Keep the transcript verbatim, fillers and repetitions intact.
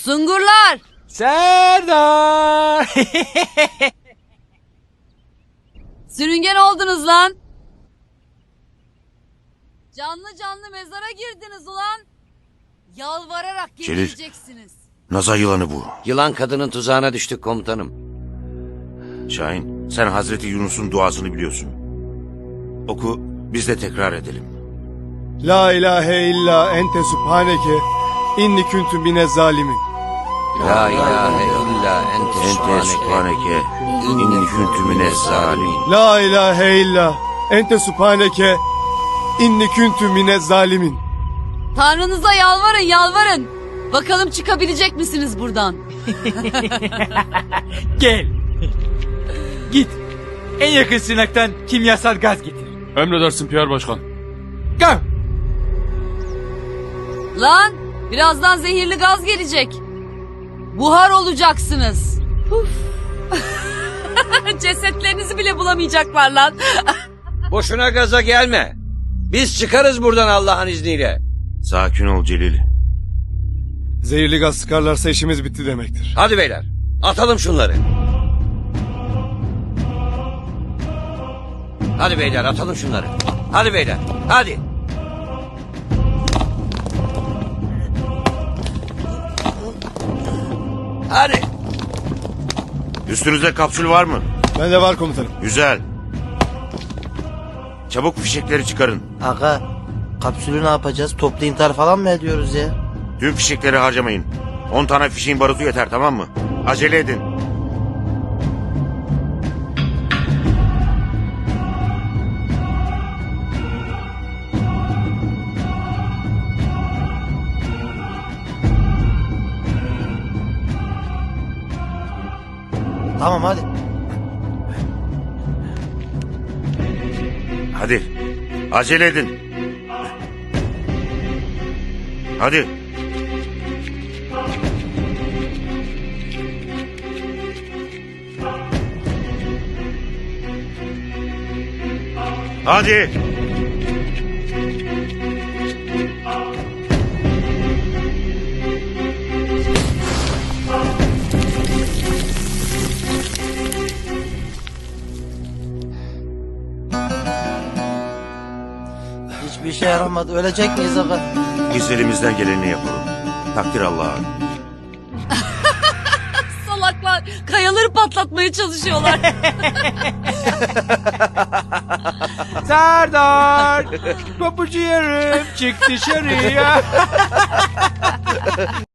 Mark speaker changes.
Speaker 1: Sungurlar!
Speaker 2: Serdar!
Speaker 1: Sürüngen oldunuz lan! Canlı canlı mezara girdiniz ulan! Yalvararak
Speaker 3: Celil.
Speaker 1: getireceksiniz.
Speaker 3: Naza yılanı bu.
Speaker 4: Yılan kadının tuzağına düştük komutanım.
Speaker 3: Şahin, sen Hazreti Yunus'un duasını biliyorsun. Oku, biz de tekrar edelim.
Speaker 5: La ilahe illa ente subhaneke inni kuntu mine zalimin.
Speaker 4: La ilahe illa ente
Speaker 3: Ente
Speaker 4: subhaneke.
Speaker 3: subhaneke, inni kuntu mine zalimin.
Speaker 5: La ilahe illa ente subhaneke inni kuntu mine zalimin.
Speaker 1: Tanrınıza yalvarın yalvarın. Bakalım çıkabilecek misiniz buradan?
Speaker 2: Gel. Git. En yakın sınaktan kimyasal gaz getir.
Speaker 6: Emredersin Pierre Başkan.
Speaker 2: Go.
Speaker 1: Lan birazdan zehirli gaz gelecek. Buhar olacaksınız. Huf. Cesetlerinizi bile bulamayacaklar lan.
Speaker 4: Boşuna gaza gelme. Biz çıkarız buradan Allah'ın izniyle.
Speaker 3: Sakin ol Celil.
Speaker 5: Zehirli gaz sıkarlarsa işimiz bitti demektir.
Speaker 4: Hadi beyler atalım şunları. Hadi beyler atalım şunları. Hadi beyler hadi. Hadi.
Speaker 3: Üstünüzde kapsül var mı?
Speaker 5: Bende var komutanım.
Speaker 3: Güzel. Çabuk fişekleri çıkarın.
Speaker 7: Aga, kapsülü ne yapacağız? Toplu intihar falan mı ediyoruz ya?
Speaker 3: Tüm fişekleri harcamayın. On tane fişeğin barutu yeter, tamam mı? Acele edin.
Speaker 7: Tamam hadi.
Speaker 3: Hadi. Acele edin. Hadi. Hadi.
Speaker 7: Hiçbir şey yaramadı. Ölecek miyiz aga?
Speaker 3: Biz elimizden geleni yapalım. Takdir Allah'a.
Speaker 1: Salaklar kayaları patlatmaya çalışıyorlar.
Speaker 2: Serdar. Papucu yarım çık dışarıya.